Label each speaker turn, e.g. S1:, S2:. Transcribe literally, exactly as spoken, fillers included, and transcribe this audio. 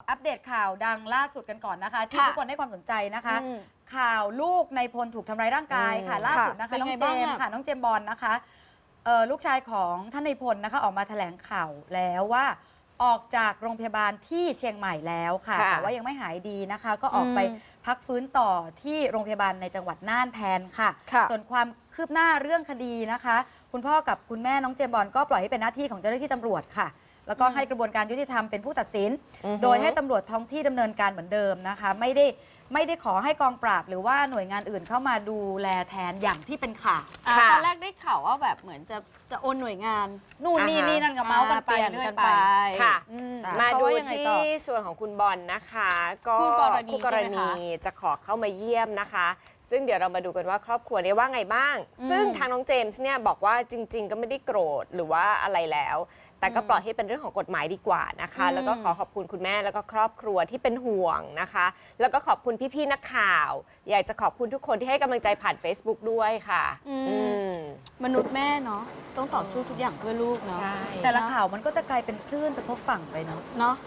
S1: อัปเดตข่าวดังล่าสุดกันก่อนนะคะที่
S2: ค่ะ
S1: ทุกคนให้ความสนใจนะคะ
S2: อืม
S1: ข่าวลูกในพลถูกทำร้ายร่างกายค่ะ
S2: อืม
S1: ล่าสุดนะคะ
S2: ค่ะ
S1: น้อง
S2: เป็นไง
S1: เจ
S2: บ้าง
S1: มส์
S2: อะ
S1: ค่ะน้องเจมส์บอลนะคะเอ่อลูกชายของท่านในพลนะคะออกมาแถลงข่าวแล้วว่าออกจากโรงพยาบาลที่เชียงใหม่แล้วค่ะ
S3: ค่ะ
S1: แต่ว่ายังไม่หายดีนะคะ ก็ออกไป
S2: อืม
S1: พักฟื้นต่อที่โรงพยาบาลในจังหวัดน่านแทนค่ะ
S2: ค่ะ
S1: ส่วนความคืบหน้าเรื่องคดีนะคะ คุณพ่อกับคุณแม่น้องเจมส์บอลก็ปล่อยให้เป็นหน้าที่ของเจ้าหน้าที่ตำรวจค่ะ แล้วก็ให้กระบวนการยุติธรรมเป็นผู้ตัดสิน
S3: อือฮึ
S1: โดยให้ตำรวจท้องที่ดำเนินการเหมือนเดิมนะคะ ไม่ได้ไม่ได้ขอให้กองปราบ หรือว่าหน่วยงานอื่นเข้ามาดูแลแทนอย่างที่เป็นข่าว
S2: อ่า
S3: ค่ะ
S2: ตอนแรกได้ข่าวว่าแบบเหมือนจะจะโอนหน่วยงาน
S1: นู่นนี่
S3: อ่าฮะ
S1: นี่นั่นก็เมาส์กันไป
S2: อ่า
S1: เรื่อย
S2: ปลี่
S1: ไป
S3: ค่ะ
S2: อืม
S1: จ้ะ
S3: มา
S2: เขา
S3: ดู
S2: ว่ายังไง
S3: ที่
S2: ต่อ
S3: ส่วนของคุณบอลนะคะ ก็
S2: คู่กรณี
S3: คู่กร
S2: ใช่ไหม
S3: ณี
S2: คะ
S3: จะขอเข้ามาเยี่ยมนะคะ ซึ่งเดี๋ยวเรามาดูกันว่าครอบครัวนี้ว่าไงบ้าง
S2: อืม
S3: ซึ่งทางน้องเจมส์เนี่ยบอกว่าจริง ๆ ก็ไม่ได้โกรธหรือว่าอะไรแล้ว แต่ก็ปล่อยให้เป็นเรื่องของกฎหมายดีกว่านะคะ
S2: อืม
S3: แล้วก็ขอขอบคุณคุณแม่แล้วก็ครอบครัวที่เป็นห่วงนะคะ แล้วก็ขอบคุณพี่ๆนักข่าว อยากจะขอบคุณทุกคนที่ให้กำลังใจผ่าน Facebook ด้วยค่ะ
S2: อืม
S3: อืม
S2: มนุษย์แม่เนาะต้องต่อสู้ทุกอย่างเพื่อลูกเนาะ
S3: ใช่
S1: แต่ละข่าวมันก็จะกลายเป็นคลื่นกระทบฝั่งไปเนาะ
S2: เนาะ